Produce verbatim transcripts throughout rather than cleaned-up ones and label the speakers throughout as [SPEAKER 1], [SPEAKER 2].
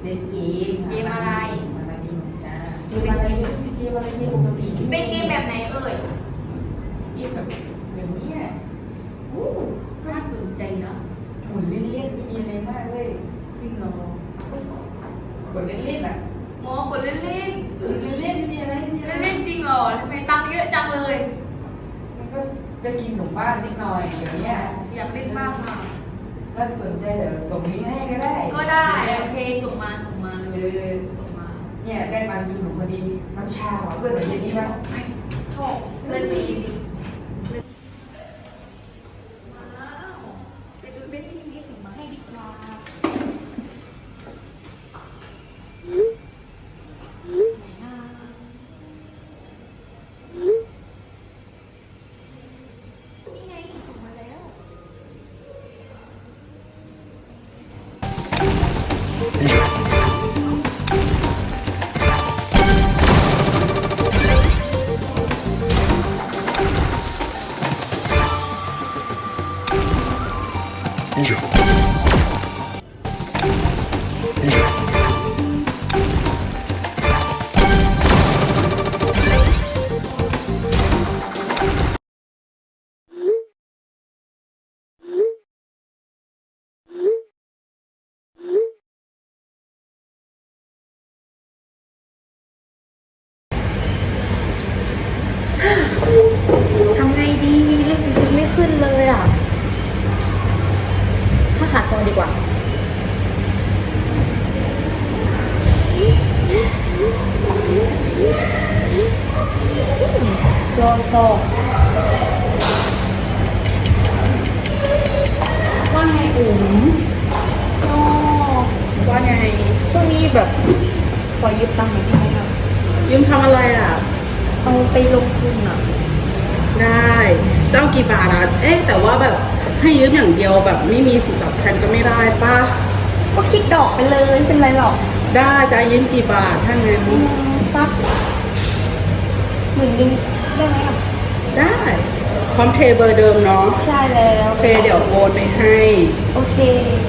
[SPEAKER 1] ล่นเกม
[SPEAKER 2] เกมอะไร
[SPEAKER 1] มามากินจ้าเกมอะไรเกมอะไรเกมปกติ
[SPEAKER 2] เป็นเกมแบบไหนเอ่ย
[SPEAKER 1] เกมแบบแบบนี้อ่ะโอ้
[SPEAKER 2] น่าสนใจเนาะ
[SPEAKER 1] หมุนเล่นๆไม่มีอะไรมากเลยจริงเหรอ กดเล่นๆอ่ะ
[SPEAKER 2] โมกดเล่นเล่น
[SPEAKER 1] เออเล่นๆไม่มีอะไรไม่มีอะไร
[SPEAKER 2] เล่นๆจริงเหรอทำไมตังค์เยอะจังเลย
[SPEAKER 1] มันก็ก็กินขนมบ้านนิดหน่อยเดี๋ยวเนี้ย
[SPEAKER 2] อยากเล่นบ้างอ่ะ
[SPEAKER 1] ก็สนใจเดี๋ยวส่งลิงก์ให้ก็ได้
[SPEAKER 2] ก็ได้
[SPEAKER 1] เดี๋ยว
[SPEAKER 2] โอเคส่งมาส่งมา
[SPEAKER 1] เอ
[SPEAKER 2] เลย
[SPEAKER 1] อ
[SPEAKER 2] ส่งมา
[SPEAKER 1] เนี่ยได้มากินหนูพอดีน้ำชาหวานเพื่อนหนูเย็นนี้ป่ะ
[SPEAKER 2] ชอบเล่นดีว้าวไปดูเล่นที่นี้ถึงมาให้ดีกว่าไหนนะนี่ไงส่งมาแล้ว ทำไงดีเลขมันไม่ขึ้นเลยอ่ะถ้าหาซองดีกว่าโจโซว่าไงอุ๋มก็ว่าไงช่วงนี้แบบขอยืมตังค์หน่อยได้ไหมคะยืมทำอะไรอ่ะเอาไปลงทุนอ่ะ
[SPEAKER 3] ได้เจ้ากี่บาทอ่ะเอ๊ะแต่ว่าแบบให้ยืมอย่างเดียวแบบไม่มีสิทธิ์ตอบแทนก็ไม่ได้ป่ะ
[SPEAKER 2] ก็คิดดอกไปเลยไม่เป็นไรหรอก
[SPEAKER 3] ได้จะยืมกี่บาทถ้างั้น
[SPEAKER 2] อืมสักหมื่นหนึงได้ไหมอ่ะ
[SPEAKER 3] ได้พร้อมเพย์เบอร์เดิมเนาะ
[SPEAKER 2] ใช่แล้ว
[SPEAKER 3] โอเคเดี๋ยวโอนไปให้
[SPEAKER 2] โอเค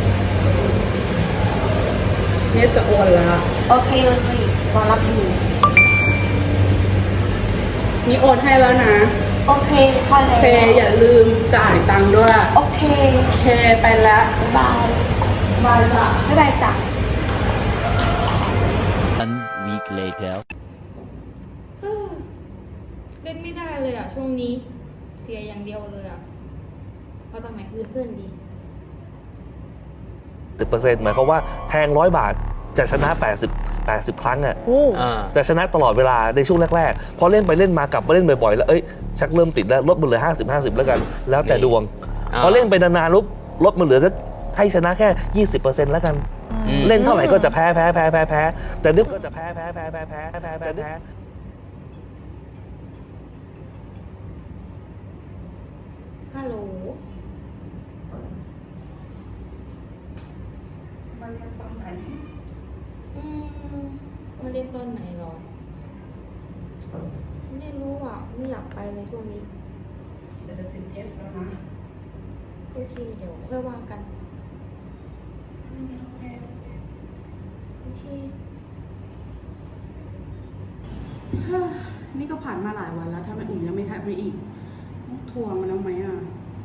[SPEAKER 3] เนี่ยจะโอนละ
[SPEAKER 2] โอเคเลยรอรับอยู่
[SPEAKER 3] นี่โอนให้แล้วนะ
[SPEAKER 2] โอเคค่ะ
[SPEAKER 3] โอ
[SPEAKER 2] แล้ว
[SPEAKER 3] เคอย่าลืมจ่ายตังค์ด้วย
[SPEAKER 2] โอเค
[SPEAKER 3] โอเคไปแล้ว
[SPEAKER 2] บ๊ายบาย
[SPEAKER 3] บายจ้ะ
[SPEAKER 2] บ๊ายบายจ้ะ
[SPEAKER 4] One week later.
[SPEAKER 2] เฮ้อเล่นไม่ได้เลยอ่ะ ช่วงนี้ เสียอย่างเดียวเลยอ่ะเอาจากไหนคืนเพื่อนดี
[SPEAKER 5] สิบเปอร์เซ็นต์หมายความว่าแทงร้อยบาทจะชนะแปดสิบ แปดสิบครั้งอ่ะ
[SPEAKER 4] อ่า
[SPEAKER 5] จะชนะตลอดเวลาในช่วงแรกๆพอเล่นไปเล่นมากลับมาเล่นบ่อยๆแล้วเอ้ยชักเริ่มติดแล้วลดมันเหลือห้าสิบ ห้าสิบแล้วกัน แล้วแต่ดวง
[SPEAKER 4] อ่า
[SPEAKER 5] พอเล่นไปนานๆลุกลดมันเหลือจะให้ชนะแค่ ยี่สิบเปอร์เซ็นต์แล้วกัน
[SPEAKER 4] อืม
[SPEAKER 5] เล่นเท่าไหร่ก็จะแพ้แพ้แพ้แพ้แพ้แต่นึกก็จะแพ้แพ้แพ้แพ้แพ้แพ้แพ้แพ้
[SPEAKER 2] ฮัลโหล
[SPEAKER 1] มาเรียนฟังไหน
[SPEAKER 2] อืมมาเรียนตอนไหนหรอ ไม่รู้อ่ะ ไม่อยากไปเลยช่วงนี้
[SPEAKER 3] เดี๋ยวจะถึง F แล้วนะ
[SPEAKER 2] โอเค เดี๋ยวค่อยว่ากัน โอเค
[SPEAKER 3] นี่ก็ผ่านมาหลายวันแล้วทำไมอุ่มยังไม่ทักมาอีกต้องทวงมันแล้วไหมอ่ะ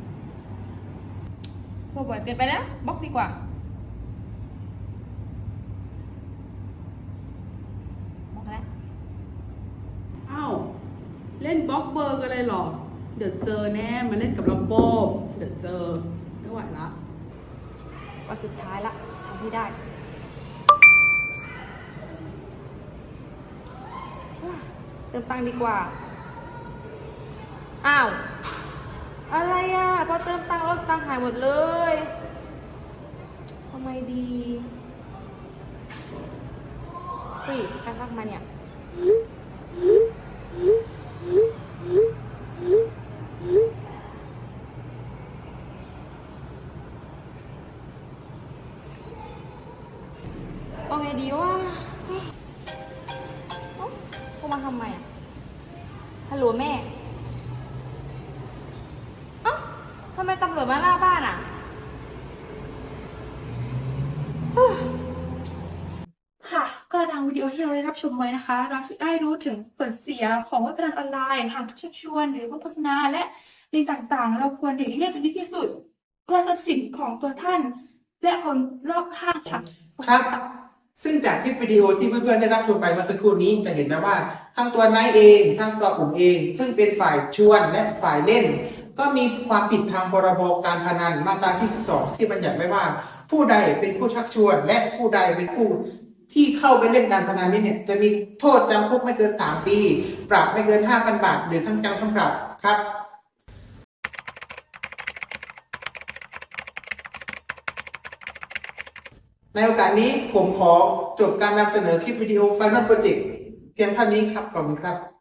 [SPEAKER 2] โทรบ่อยเกินไปแล้วบล็อกดีกว่าบล็อกแล้ว
[SPEAKER 3] อ้าวเล่นบล็อกเบอร์กันเลยเหรอ เดี๋ยวเจอแน่มาเล่นกับลำโบเดี๋ยวเจอไม่ไหวละ
[SPEAKER 2] วันสุดท้ายละทำให้ได้ เติมตังค์ดีกว่า อ้าว อะไรอ่ะ พอเติมตังค์แล้วตังค์หายหมดเลยทำไมดีเฮ้ยใครทักมาเนี่ย เอาไงดีว่าเอ้าโทรมาทำไมอ่ะ ฮัลโหลแม่ เอ้าทำไมตำรวจมาหน้าบ้านอ่ะเราได้รับชมไว้นะคะ เราจะได้รู้ถึงผลเสียของเว็บพนันออนไลน์ทางชักชวนหรือว่าโฆษณาและลิงก์ต่างๆ เราควรหลีกเลี่ยงเป็นดีที่สุด เพื่อทรัพย์สินของตัวท่าน และคนรอบข้างค่ะ
[SPEAKER 6] ครับ ซึ่งจากคลิปวิดีโอที่เพื่อนๆได้รับชมไปเมื่อสักครู่นี้จะเห็นนะว่าทั้งตัวนายเองทั้งตัวผมเอง ซึ่งเป็นฝ่ายชวนและฝ่ายเล่น ก็มีความผิดทางพรบการพนันมาตราที่สิบสองที่บัญญัติไว้ว่า ผู้ใดเป็นผู้ชักชวน และผู้ใดเป็นผู้ที่เข้าไปเล่นการพนันนี้เนี่ยจะมีโทษจำคุกไม่เกินสามปี ปรับไม่เกิน ห้าพัน บาทหรือทั้งจำทั้งปรับครับในโอกาสนี้ผมขอจบการนำเสนอคลิปวิดีโอ Final Project เพียงเท่านี้ครับขอบคุณครับ